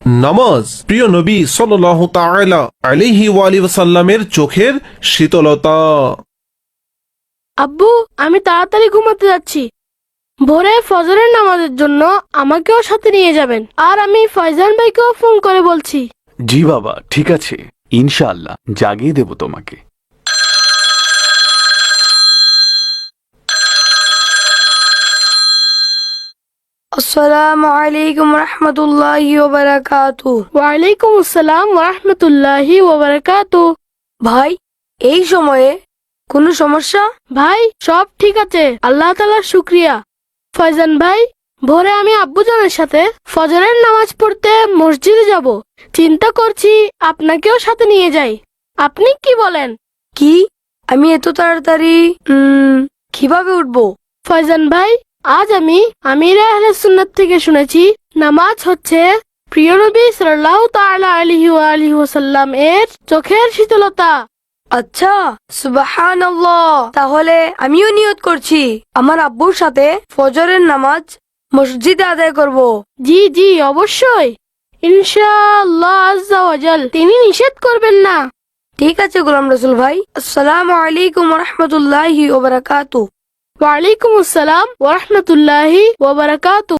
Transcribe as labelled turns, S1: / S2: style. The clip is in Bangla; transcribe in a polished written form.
S1: নামাজ প্রিয় নবী সাল্লাল্লাহু তাআলা আলাইহি ওয়া আলিহি ওয়াসাল্লামের চোখের শীতলতা।
S2: আব্বু, আমি তাড়াতাড়ি ঘুমাতে যাচ্ছি। ভোরে ফজরের নামাজের জন্য আমাকেও সাথে নিয়ে যাবেন। আর আমি ফয়জান ভাইকেও ফোন করে বলছি।
S3: জি বাবা, ঠিক আছে, ইনশাআল্লাহ জাগিয়ে দেব তোমাকে।
S4: আসসালামু আলাইকুম রহমতুল্লাহি ওয়া বারাকাতুহু।
S2: ওয়ালাইকুম আসসালাম ওয়া রাহমাতুল্লাহি ওয়া বারাকাতুহু।
S4: ভাই, এই সময়ে কোনো সমস্যা?
S2: ভাই, সব ঠিক আছে, আল্লাহ তাআলার শুকরিয়া। ফয়জান ভাই, ভোরে আমি আব্বুজানের সাথে ফজরের নামাজ পড়তে মসজিদে যাব। চিন্তা করছি আপনাকেও সাথে নিয়ে যাই। আপনি কি বলেন?
S4: কি? আমি এত তাড়াতাড়ি কিভাবে উঠবো?
S2: ফয়জান ভাই, আজ আমি আমিরে আহলে সুন্নাত থেকে শুনেছি নামাজ হচ্ছে প্রিয় নবী সাল্লাল্লাহু তাআলা আলাইহি ওয়া আলিহি ওয়াসাল্লাম এর চোখের শীতলতা।
S4: আচ্ছা, সুবহানাল্লাহ। তাহলে আমিও নিয়ত করছি আমার আব্বুর সাথে ফজরের নামাজ মসজিদে আদায় করব।
S2: জি জি, অবশ্যই, ইনশাআল্লাহ আজ্জা ওয়া জাল তিনি নিষেধ করবেন না।
S4: ঠিক আছে গোলাম রসুল ভাই। আসসালামু আলাইকুম রহমতুল্লাহি ওয়া বারাকাতুহু।
S2: ওয়ালাইকুম আসসালাম ওয়া রাহমাতুল্লাহি ওয়া বারাকাতুহু।